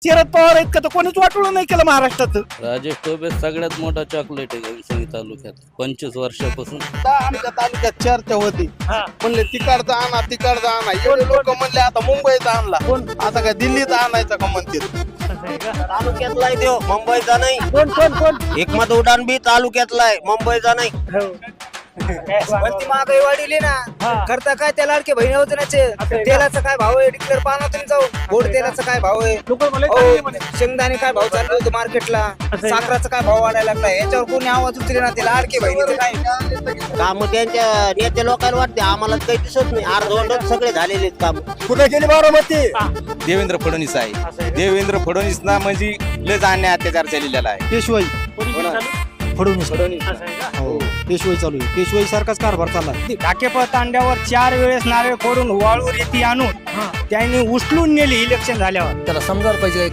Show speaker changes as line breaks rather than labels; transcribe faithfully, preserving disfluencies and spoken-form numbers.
शरद पवार आहेत का तर कोणीच वाटोळं नाही केलं महाराष्ट्रात.
राजेश टोपे सगळ्यात मोठा चॉकलेट आहे घनसंगी तालुक्यात पंचवीस वर्षापासून.
आमच्या तालुक्यात चर्चा होती म्हणले तिकडचा आणा तिकडचा आणा एवढे लोक म्हणले आता मुंबईचा आणला आता काय दिल्लीचा आणायचा का म्हणते.
तालुक्यातला आहे तो, मुंबईचा नाही.
कोण कोण कोण
एकमत उड्डाण बी तालुक्यातला आहे, मुंबईचा नाही.
वरती महागाई वाढली ना, करता काय त्या लाडके बहिणी योजनेचे तेलाचा काय भाव आहे डिक्लेअर पाहणार तुम्ही जाऊ. गोड तेलाचा काय भाव आहे, हो, शेंगदाणे काय भाव चालले होते मार्केटला, साखराचा काय भाव वाढायला लागला, याच्यावर कोणी आवाज उचले ना. ते लाडके बहिणीचं काय
काम त्यांच्या नेत्या लोकांना वाटते, आम्हाला काही दिसत नाही. अर्धवटच सगळे झालेले काम.
कुठे गेली बारामती.
देवेंद्र फडणवीस आहे. देवेंद्र फडणवीस ना म्हणजे लय जाण्या अत्याचार चाललेला आहे.
पेशवाई फडणवीस हो पेशवाई चालू आहे. पेशवाई सारखाच कारभार चालला.
टाकेपळ तांड्यावर चार वेळेस नारळ फोडून वाळू रेती आणून त्यांनी उचलून नेली इलेक्शन झाल्यावर.
त्याला समजायला पाहिजे